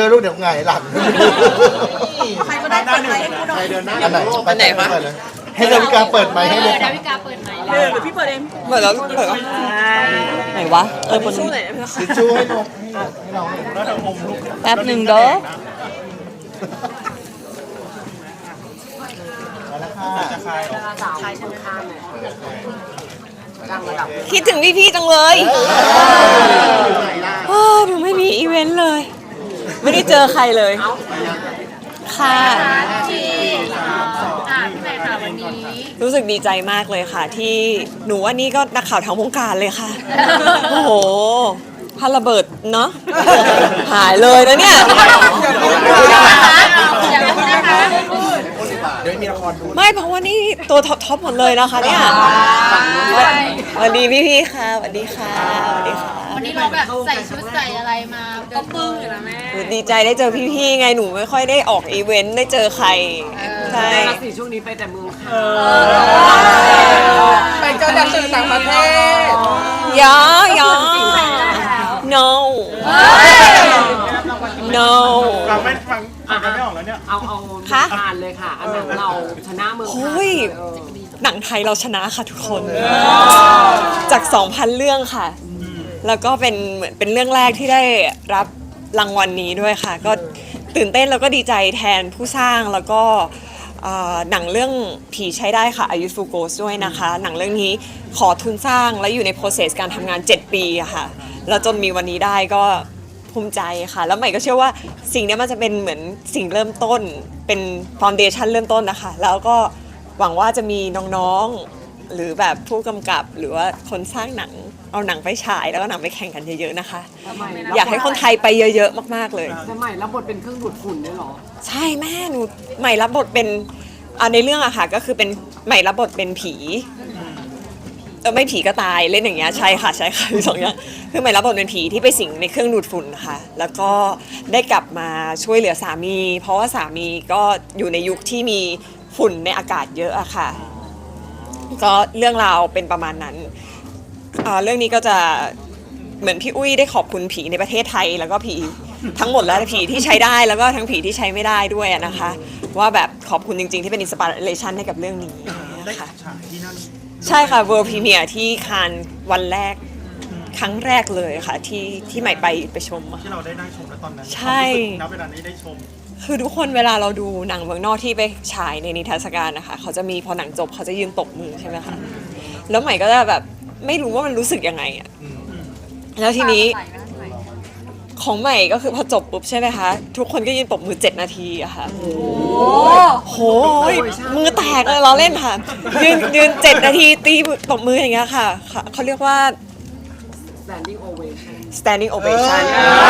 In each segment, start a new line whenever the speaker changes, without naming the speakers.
อะๆลูกเดี๋ยวไงหลัง
ใครก็ได้เปิดไมค์ให้กูหน่อย
อันไหนอันไหนคะให้ดาวิกาเปิดไมค์ให้เลย
ดาวิกาเปิดไหม
หรือพี่เปิดเอง
เปิดแล้วไหนวะบน
ทิชชู่ให้น้องให้น้อง
แป๊บหนึ่งเด้อ
มาแล้วค่ะ
คิดถึงพี่ๆจังเลยหนูไม่มีอีเวนต์เลย ไม่ได้เจอใครเลยค่ะ
ที่พี่ใหม่ค่ะวันนี้
รู้สึกดีใจมากเลยค่ะ ที่หนูว่านี่ก็นักข่าวทั้งวงการเลยค่ะ โอ้โหพาระเบิดเนาะหายเลยนะเนี่ย
เดี๋ยวมีละครดู
ไม่เพราะว่านี่ตัวท็อปหมดเลยนะคะเนี่ยสวัสดีพี่ๆค่ะสวัสดีค่ะสวัสดีค่ะ
วันนี้เราแบบใส่ชุดใส่อะไรมาก็ปึ้งอยู่นะแม่
หนูดีใจได้เจอพี่ๆไงหนูไม่ค่อยได้ออกอีเวนต์ได้เจอใครใช่
สี่ช่วงนี้ไปแต่เมืองค่ะ
ไปเจอดักสื่อต่างประเทศ
ยอยอ no no
ฟังไม่ฟังกันไม่ออกแล้วเนี่ย
เอา
คะ
อ่านเลยค่ะ อันนั้นเราชนะเมือง
โอ้ยหนังไทยเราชนะค่ะทุกคนจาก 2,000 เรื่องค่ะ แล้วก็เป็นเหมือนเป็นเรื่องแรกที่ได้รับรางวัลนี้ด้วยค่ะ ก็ตื่นเต้นแล้วก็ดีใจแทนผู้สร้างแล้วก็หนังเรื่องผีใช้ได้ค่ะ A Youthful Ghost ด้วยนะคะ หนังเรื่องนี้ขอทุนสร้างและอยู่ใน process การทำงาน 7 ปีอะค่ะ แล้วจนมีวันนี้ได้ก็ภูมิใจค่ะ แล้วใหม่ก็เชื่อว่าสิ่งนี้มันจะเป็นเหมือนสิ่งเริ่มต้นเป็น foundation เริ่มต้นนะคะ แล้วก็หวังว่าจะมีน้องๆหรือแบบผู้กำกับหรือว่าคนสร้างหนังเอาหนังไปฉายแล้วก็หนังไปแข่งกันเยอะๆนะคะ อยากให้คนไทยไปเยอะๆมากๆเลย
สมัยรับบทเป็นเครื่องดูดฝุ่นด้วยเหรอ
ใช่แม่หนูใหม่รับบทเป็นในเรื่องอะค่ะก็คือเป็นใหม่รับบทเป็นผีไม่ผีก็ตายเล่นอย่างเงี้ยใช่ค่ะมีสองอย่างคือใหม่รับบทเป็นผีที่ไปสิงในเครื่องดูดฝุ่นค่ะแล้วก็ได้กลับมาช่วยเหลือสามี เพราะว่าสามีก็อยู่ในยุคที่มีฝุ่นในอากาศเยอะอะค่ะก็เรื่องราวเป็นประมาณนั้นเรื่องนี้ก็จะเหมือนพี่อุ้ยได้ขอบคุณผีในประเทศไทยแล้วก็ผีทั้งหมดแล้วผีที่ใช้ได้แล้วก็ทั้งผีที่ใช้ไม่ได้ด้วยนะคะว่าแบบขอบคุณจริงๆที่เป็นอินสปิเรชันให้กับเรื่องนี้
ได้
ค่ะ
ฉายที่นั่น
ใช่ค่ะ World Premiere ที่คานส์วันแรกครั้งแรกเลยค่ะที่ใหม่ไปชมอะ
ที่เราได้ชมแล้วตอนนั้น
ใช่
ณเวลานี้ได้ชม
คือทุกคนเวลาเราดูหนังเมืองนอกที่ไปฉายในนิทรรศการนะคะเขาจะมีพอหนังจบเขาจะยืนตบมือใช่ไหมคะแล้วใหม่ก็จะแบบไม่รู้ว่ามันรู้สึกยังไงอะแล้วทีนี้ของใหม่ก็คือพอจบปุ๊บใช่ไหมคะทุกคนก็ยืนปรบมือ7 นาทีอะค่ะโหมือแตกเลยเราเล่นค่ะยืน7 นาทีตีปรบมืออย่างเงี้ยค่ะเขาเรียกว่า
standing ovation
standing ovation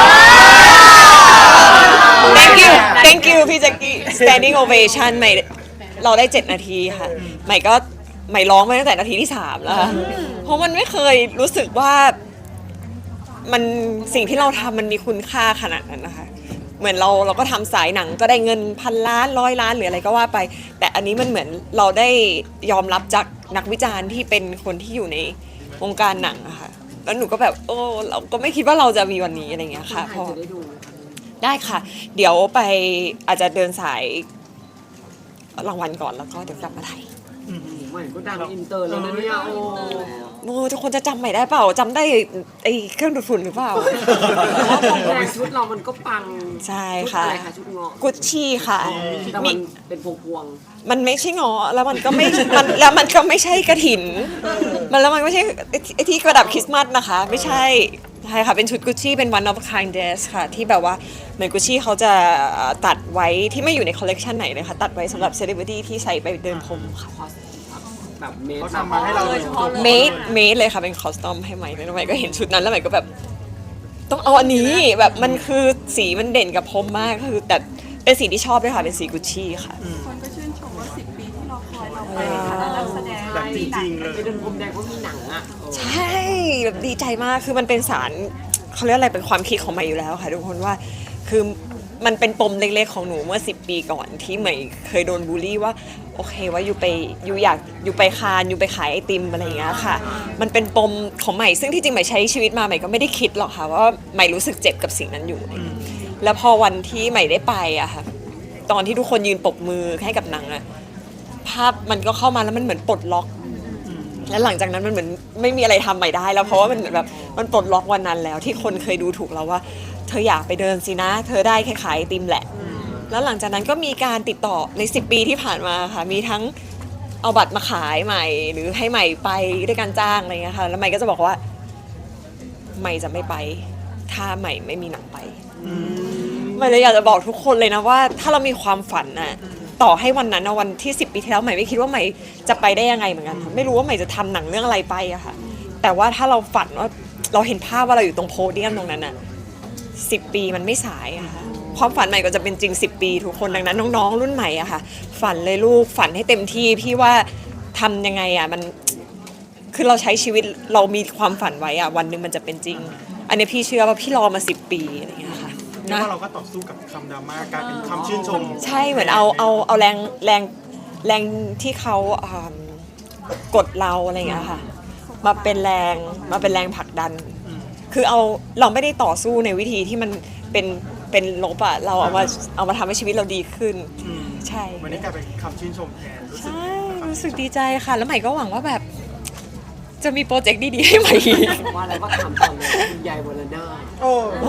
thank you พี่แจ็คกี้ standing ovation ใหม่เราได้7 นาทีค่ะใหม่ร้องมาตั้งแต่นาทีที่3แล้วค่ะเพราะมันไม่เคยรู้สึกว่ามันสิ่งที่เราทำมันมีคุณค่าขนาดนั้นนะคะเหมือนเราก็ทำสายหนังก็ได้เงิน1,000 ล้าน100 ล้านหรืออะไรก็ว่าไปแต่อันนี้มันเหมือนเราได้ยอมรับจากนักวิจารณ์ที่เป็นคนที่อยู่ในวงการหนังอะค่ะแล้วหนูก็แบบเราก็ไม่คิดว่าเราจะมีวันนี้อะไรเงี้ยค่ะ
ใครจะได้ดู
ได้ค่ะ เดี๋ยวไปอาจจะเดินสายรางวัลก่อนแล้วก็เดี๋ยวกลับมาไทย
ใหม่ก็ดังอินเตอร์แล้วนะเนี่ยโอ้
ทุกคนจะจำใหม่ได้เปล่าจำได้ไอ้เครื่องดูดฝุ่นหรือเปล่า
เพราะผมแรงชุดเรามันก็ปัง
ใช่
ชุด
ค่ะ
อะไรคะชุดเงาะ
กุชชี่ค่ะ
แต่มันเป็นพวง
มันไม่ใช่งอแล้วมันก็ไม่ แล้วมันก็ไม่ใช่กระถินแล้วมันไม่ใช่ไอ้ที่กระดับคริสต์มาสนะคะไม่ใช่ใช่ค่ะเป็นชุดกุชชี่เป็น one of a kind dress ค่ะที่แบบว่าเหมือนกุชชี่เขาจะตัดไว้ที่ไม่อยู่ในคอลเลกชันไหนเลยค่ะตัดไว้สำหรับเซเลบริตี้ที่ใส่ไปเดินพรมค่ะ
ๆแบบเมด
เขาทำมาให้เราเลย
เมดเลยค่ะเป็นคอสตอมให้ใหม่แล้วใหม่ก็เห็นชุดนั้นแล้วใหม่ก็แบบต้องเอาอันนี้แบบมันคือสีมันเด่นกับพรมมากคือแต่เป็นสีที่ชอบด้วยค่ะเป็นสีกุชชี่ค่ะ
คนก็ชื่นชมว่า10 ปีที่เราคอยเราไปคณะนักแสดง
แบบจริงๆเลย
ไปเดินพรมแดงก็มีหนังอ่ะ
ใช่แบบดีใจมากคือมันเป็นสารเขาเรียกอะไรเป็นความคิดของใหม่อยู่แล้วค่ะทุกคนว่าคือมันเป็นปมเล็กๆของหนูเมื่อ10 ปีก่อนที่ใหม่เคยโดนบูลลี่ว่าโอเคว่าอยู่อยากอยู่ไปคานอยู่ไปขายไอติมอะไรอย่างเงี้ยค่ะมันเป็นปมของใหม่ซึ่งที่จริงใหม่ใช้ชีวิตมาใหม่ก็ไม่ได้คิดหรอกค่ะว่าใหม่รู้สึกเจ็บกับสิ่งนั้นอยู่แล้วพอวันที่ใหม่ได้ไปอะค่ะตอนที่ทุกคนยืนปรบมือให้กับหนังอะภาพมันก็เข้ามาแล้วมันเหมือนปลดล็อกแล้วหลังจากนั้นมันเหมือนไม่มีอะไรทำใหม่ได้แล้วเพราะว่ามันเหมือนแบบมันปลดล็อกวันนั้นแล้วที่คนเคยดูถูกเราว่าเธออยากไปเดินสินะเธอได้แค่ขายไอติมแหละแล้วหลังจากนั้นก็มีการติดต่อใน10 ปีที่ผ่านมาค่ะมีทั้งเอาบัตรมาขายใหม่หรือให้ใหม่ไปด้วยการจ้างอะไรเงี้ยค่ะแล้วใหม่ก็จะบอกว่าใหม่จะไม่ไปถ้าใหม่ไม่มีหนังไปใหม่เลยอยากจะบอกทุกคนเลยนะว่าถ้าเรามีความฝันน่ะต่อให้วันนั้นนะวันที่10 ปีที่แล้วใหม่ไม่คิดว่าใหม่จะไปได้ยังไงเหมือนกันไม่รู้ว่าใหม่จะทำหนังเรื่องอะไรไปอะค่ะแต่ว่าถ้าเราฝันว่าเราเห็นภาพว่าเราอยู่ตรงโพเดียมตรงนั้นน่ะ10 ปีมันไม่สายอะค่ะความฝันใหม่ก็จะเป็นจริง10 ปีทุกคนดังนั้นน้องๆรุ่นใหม่อะค่ะฝันเลยลูกฝันให้เต็มที่พี่ว่าทำยังไงอะมันคือเราใช้ชีวิตเรามีความฝันไว้อะวันหนึ่งมันจะเป็นจริงอันนี้พี่เชื่อว่าพี่รอมา10 ปีอะไรอย่างเงี้ยค่ะ
เรียกว่าเราก็ต่อสู้กับคำดราม่ากลายเป็นคำชื่นชม
ใช่เหมือนเอาแรงที่เขากดเราอะไรอย่างเงี้ยค่ะมาเป็นแรงผลักดัน คือเราไม่ได้ต่อสู้ในวิธีที่มันเป็นลบอะเราเอามาทำให้ชีวิตเราดีขึ้นใช่
วันนี้กลายเป็นคำชื่นชมแทนรู้สึก
ใช่รู้สึกดีใจค่ะ แล้วใหม่ก็หวังว่าแบบจะมีโปรเจกต์ดีๆให้ใหม่อีก
ว่าอะไรก็ถามก่อนเลยคุณยายวรนาถ
โอ้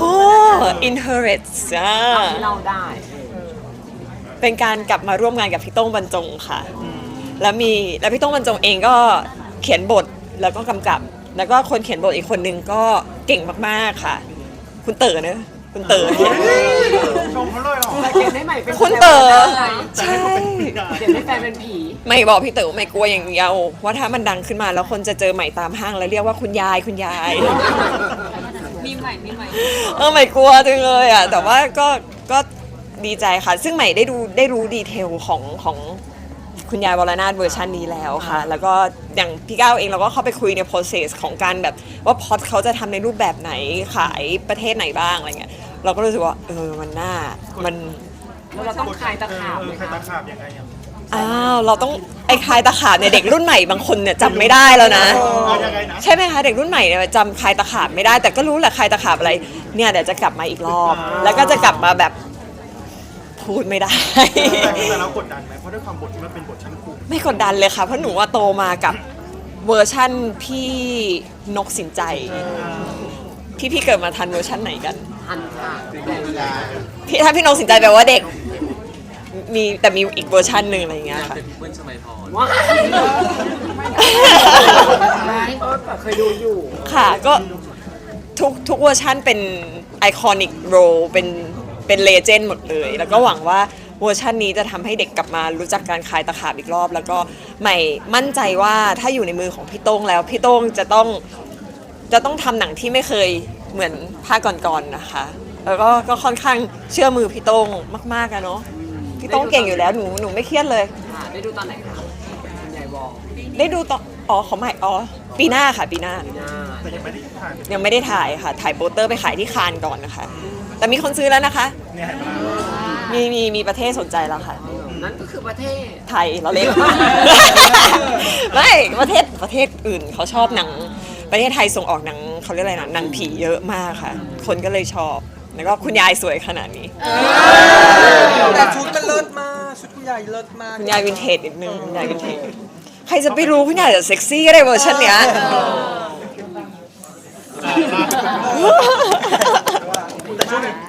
Inherit อ่ะ
ทำให้เราได้
เป็นการกลับมาร่วมงานกับพี่โต้งบรรจงค่ะ แล้วพี่โต้งบรรจงเองก็เขียนบทแล้วก็กำกับ แล้วก็คนเขียนบทอีกคนนึงก็เก่งมากๆค่ะ คุณเต๋อเนอะคุณเต๋อ
ชมเขาเลยเหรอ
แต่เขียนให้ใหม่เป็น
คุณเต๋อ
ใช่
ใช่
เขียนให้แฟนเป็นผี
ไม่บอกพี่เต๋อไม่กลัวอย่างเดียวว่าถ้ามันดังขึ้นมาแล้วคนจะเจอใหม่ตามห้างแล้วเรียกว่าคุณยาย
มีใหม่
ไม่กลัวจังเลยอ่ะแต่ว่าก็ดีใจค่ะ ซึ่งใหม่ได้รู้ดีเทลของคุณยายวรนาถเวอร์ชันนี้แล้วค่ะ แล้วก็อย่างพี่ก้าวเองเราก็เข้าไปคุยใน process ของการแบบว่าพอดเขาจะทำในรูปแบบไหนขายประเทศไหนบ้างอะไรเงี้ยเราก็รู้สึกว่ามันน่ามัน
แล้วเราต้องคลายตะขาบไหม
คลาย
คะ
ตะขาบยังไงอ่ะ
อ้าวเราต้องไอ้คลายตะขาบเนี่ยเด็กรุ่นใหม่บางคนเนี่ยจำไม่ได้แล้วนะ
เอายังไงนะ
ใช่ไหมคะเด็กรุ่นใหม่เนี่ยจำคลายตะขาบไม่ได้แต่ก็รู้แหละคลายตะขาบอะไรเนี่ยเดี๋ยวจะกลับมาอีกรอบ แล้วก็จะกลับมาแบบพูดไม่ได้
แต่เรากดดันไหมเพราะด้วยความบทที่มันเป็นบทชั้นครู
ไม่กดดันเลยค่ะเพราะหนูว่าโตมากับเวอร์ชั่นพี่นกสินใจพี่เกิดมาทันเวอร์ชั่นไหนกัน
หันค่ะ
ถ้าพี่นกสินใจแปลว่าเด็กแต่มีอีกเวอร์ชันหนึ่งอะไรอย่างเงี้ยค่ะ
ว้ายแต่เคยดูอยู่
ค่ะก็ทุกเวอร์ชันเป็นไอคอนิกโรเป็นเลเจนด์หมดเลย แล้วก็หวังว่าเวอร์ชันนี้จะทำให้เด็กกลับมารู้จักการคลายตะขาบอีกรอบ แล้วก็ใหม่มั่นใจว่าถ้าอยู่ในมือของพี่โต้งแล้วพี่โต้งจะต้องทำหนังที่ไม่เคยเหมือนภาคก่อนๆนะคะ แล้วก็ค่อนข้างเชื่อมือพี่โต้งมากๆอะเนาะพี่โต้งเก่งอยู่แล้วหนูไม่เครียดเลย
ค่ะได้ดูตอนไหนคะคุณยายวอล
ได้ดูตอนของใหม่ปีหน้าค่ะปีหน้า
แต่ยังไม่ได้ถ่าย
ยังไม่ได้ถ่ายค่ะถ่ายโปสเตอร์ไปขายที่คานก่อนนะคะ แต่มีคนซื้อแล้วนะคะ
เนี่ยเห็นไหม
มีประเทศสนใจแล้วค่ะ
นั่นก็คือประเทศ
ไทยเราเล่น ไม่ประเทศอื่นเขาชอบหนังประเทศไทยส่งออกหนังเขาเรียกอะไรนะหนังผีเยอะมากค่ะ คนก็เลยชอบแล้วก็คุณยายสวยขนาดนี้
แต่ชุดมันเลิศมาก ชุดคุณยายเลิศมาก
คุณยายวินเทจนิดนึงคุณยายวินเทจใครจะไปรู้คุณยายจะเซ็กซี่ก็ได้เวอร์ชันเนี้ย
แต่ช่วงนี้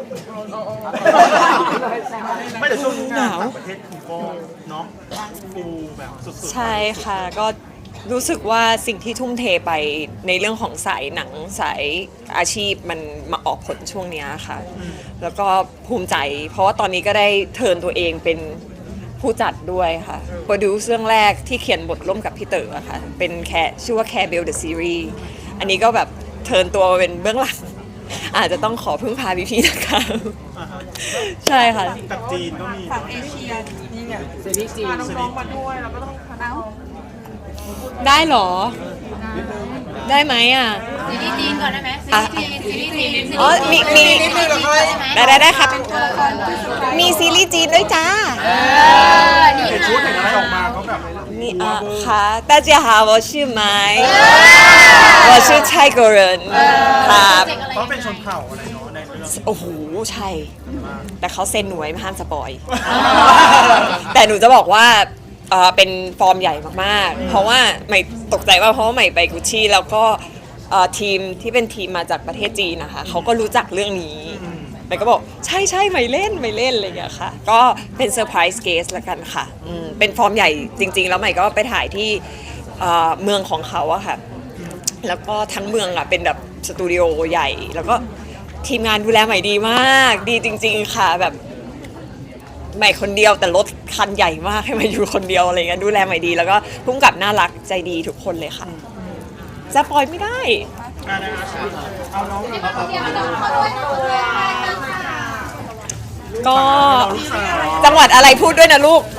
ไม่แต่ช่วงนี้งานต่างประเทศคุณก็เนาะฟูแบบสุดๆ
ใช่ค่ะก็รู้สึกว่าสิ่งที่ทุ่มเทไปในเรื่องของสายหนังสายอาชีพมันมาออกผลช่วงเนี้ยค่ะ แล้วก็ภูมิใจ เพราะว่าตอนนี้ก็ได้เทิร์นตัวเองเป็นผู้จัดด้วยค่ะโปรดิวซ์เรื่องแรกที่เขียนบทร่วมกับพี่เต๋อค่ะเป็นชื่อว่า Care Bell the Series อันนี้ก็แบบเทิร์นตัวมาเป็นเบื้องหลัง อาจจะต้องขอพึ่งพาพี่ๆนะคะ
อ่าฮะ
ใช่ค่ะ
กับจีนก็มี
ฝั่งเอเชียนี่ไง
ซีรีส์จีน
พาน้องๆมาด้วยเราก็ต้องพาน้อง
ได้เหรอ ได้ไหมอ่ะ
ซีรีส์จีนก่อนได้ไหมซีรีส์จีน
อ๋อมี
นิดนึงเหรอค่อย
ได้ครับ มีซีรีส์จีนด้วยจ้า
เห็นชุดเห็นอะไรออกมาเขาแบบ
นี่ค่ะ大家好我是ไม้我是泰国人ครับ
เขาเป็นชนเผ่าอะไรเนาะในเรื่อง
โอ้โหใช่แต่เขาเซ็นหนูไว้ไม่ห้ามสปอย แต่หนูจะบอกว่าเป็นฟอร์มใหญ่มากๆเพราะว่าใหม่ตกใจว่าเพราะว่าใหม่ไปกุชชี่แล้วก็ทีมที่เป็นทีมมาจากประเทศจีนนะคะเขาก็รู้จักเรื่องนี้ใหม่ก็บอกใช่ใช่ใหม่เล่นอะไรอย่างเงี้ยค่ะก็เป็นเซอร์ไพรส์เกสละกันค่ะเป็นฟอร์มใหญ่จริงๆแล้วใหม่ก็ไปถ่ายที่เมืองของเขาอะค่ะแล้วก็ทั้งเมืองอะเป็นแบบสตูดิโอใหญ่แล้วก็ทีมงานดูแลใหม่ดีมากดีจริงๆค่ะแบบใหม่คนเดียวแต่รถคันใหญ่มากให้มาอยู่คนเดียวอะไรเงี้ยดูแลใหม่ดีแล้วก็พุ่งกับน่ารักใจดีทุกคนเลยค่ะจะปล่อยไม่ได้ก็จังหวัดอะไรพูดด้วยนะลูก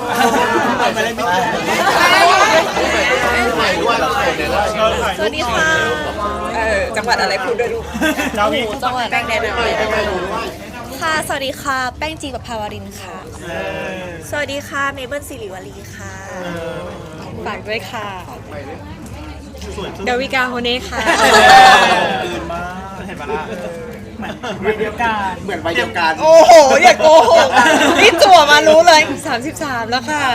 สวัสดีค่ะ
จังหวัดอะไรพูดด้วยลูก
จังหวัดแป้งแดนค่ะสวัสดีค่ะแป้งจีกับภาวรินค่ะสวัสดีค่ะเมเบิลสิริวัลีค่ะ
ฝากด้วยค่ะดาวิกาโฮเน่ค่ะ
ตื่นมาเห็นปะล่ะเหมือนวัยเดียวกัน
เหมือนวัยเดียวกัน
โอ้โห อย่าโกหกนี่จั่วมารู้เลย 33 แล้วค่ะ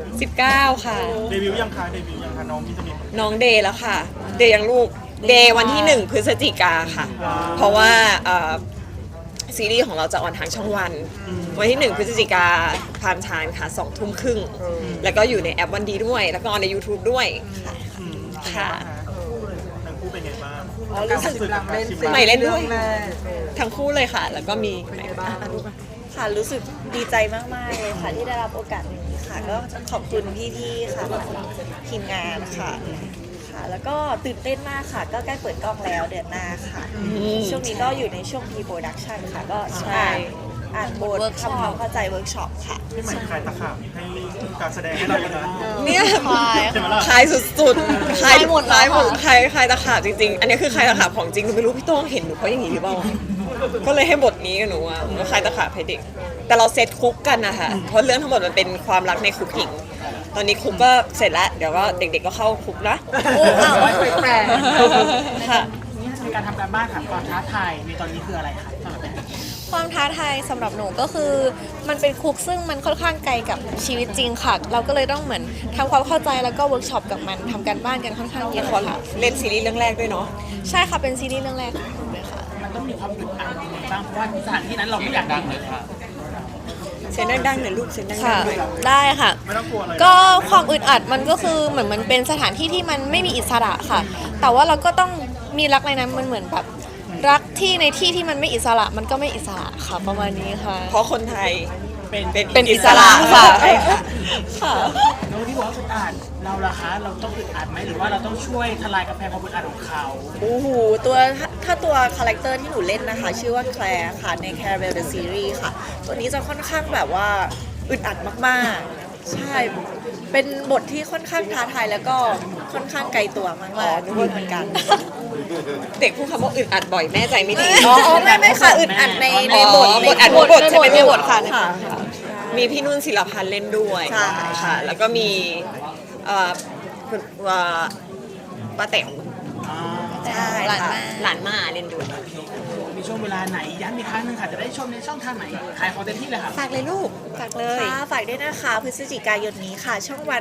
19 ค่ะ
เดบิวต์ยังคะน้องพี่จะมี
น้องเดย์แล้วค่ะ เดย์ยังลูก เดย์วันที่ 1 พฤศจิกาค่ะ เพราะว่าซีรีส์ของเราจะออนทางช่องวัน วันที่ 1 พฤศจิกาพามไทม์ค่ะ 2 ทุ่มครึ่ง แล้วก็อยู่ในแอปวันดีด้วย แล้วก็ใน YouTube ด้วย ค่ะ
ทั้งคู่เป็นไงบ้าง
รู้สึกหลังเล่น
ใหม่เล่นด้วย
แรก
ทั้งคู่เลยค่ะ แล้วก็มีใหม่บ้าง
ค่ะรู้สึกดีใจมากๆเลยค่ะที่ได้รับโอกาสนี้ค่ะก็ขอบคุณพี่ๆค่ะทีมงานค่ะแล้วก็ตื่นเต้นมากค่ะ ก็ใกล้เปิดกล้องแล้วเดือนหน้าค่ะช่วงนี้ก็อยู่ในช่วง pre-production ค่ะก็อ่านบททำความเข้าใจเวิร์กช็อปค่ะ
ที่เหมือนคลายตะขาบให้การแสดงให้เราเลยนะ
เนี่ย
เห็นไหมล่ะ
คลายสุดๆคลายหมดคลายตะขาบจริงๆ อันนี้คือคลายตะขาบของจริงหนูไม่รู้พี่โต้งเห็นหนูเพราะอย่างนี้หรือเปล่า ก็เลยให้บทนี้กับหนูอะก็คลายตะขาบให้เด็ก แต่เราเซตคุกกันนะคะเพราะเรื่องทั้งหมดมันเป็นความรักในคุกหญิง ตอนนี้คุกก็เสร็จแล้ว เดี๋ยวก็เด็กๆก็เข้าคุกนะ
โอ้อ้าวแปลก
ค่ะ
ในการทำการบ้านค่ะความท้าทายในตอนนี้คืออะไรคะสำหรับแม่
ความท้าทายสำหรับหนูก็คือมันเป็นคุกซึ่งมันค่อนข้างไกลกับชีวิตจริงค่ะ เราก็เลยต้องเหมือนทำความเข้าใจแล้วก็เวิร์กช็อปกับมันทำการบ้านกันค่อนข้างเย
ละ
อะ
คร
ค่ะ
เล่นซีรีส์เรื่องแรกด้วยเนาะ
ใช่ค่ะเป็นซีรีส์เรื่องแรกของหนูเลยค่ะ
มันต้องมีความอึดอัดยังไงบ้างเพราะว่าสถานที่นั้นเราไม่อยากดังเลยค่ะ
เสียงดังๆหน่อยลูกเสียงดัง
ค่ะ
ๆหน่อย
ได้ค่ะ
ไม่ต้องกลัวเลย
ก็ความอึดอัดมันก็คือเหมือนมันเป็นสถานที่ที่มันไม่มีอิสระค่ะ แต่ว่าเราก็ต้องมีรักในนั้นมันเหมือนแบบรักที่ในที่ที่มันไม่อิสระมันก็ไม่อิสระค่ะประมาณนี้ค่ะ
เพราะคนไทย
เป็นอิสระค่ะค่ะ
น้องที่บอกว่าอึดอัดเราล่ะคะเราต้องอึดอัดไหมหรือว่าเราต้องช่วยทลายกำแพงความอึดอัดของเขา
โอ้โหถ้าตัวคาแรคเตอร์ที่หนูเล่นนะคะ ชื่อว่าแคลร์ค่ะใน Caramel the Series ค่ะ ตัวนี้จะค่อนข้างแบบว่าอึดอัดมากๆ ใช่ เป็นบทที่ค่อนข้างท้าทายแล้วก็ค่อนข้างไกลตัวมากๆด้วยเหมือนกัน
เด็กพูดคำว่าอึดอัดบ่อยแม่ใจไม่ดี
อ๋อไม่ค่ะอึดอัดในบท
บทอัดบทใช่ไหม
ในบทค่ะ
มีพี่นุ่นศิลพันธ์เล่นด้วย
ใช่
ค่ะ แล้วก็มีคุณป้าแต๋ว
ใช่
หลาน
ค่ะ
มา
หลานมาเล่นด้วย
มีช่วงเวลาไหนย้ำอีกครั้งหนึงค่ะจะได้ชมในช่องทางไหนขายของเต็มที่เลยค่ะ
ฝากเลยลูก ฝากเลย
ค่ะฝากด้วยนะคะพฤศจิกายนนี้ค่ะ ช่องวัน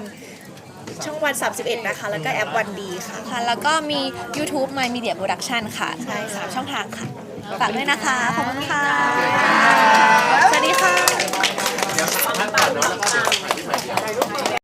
31 นะคะ แล้วก็แอปวันดีค่ะ
ค่ะ แล้วก็มี YouTube My Media Production ค่ะใช่3ช่องทางค่ะฝากด้วยนะคะขอบคุณค่ะ
สวัสดีค่ะ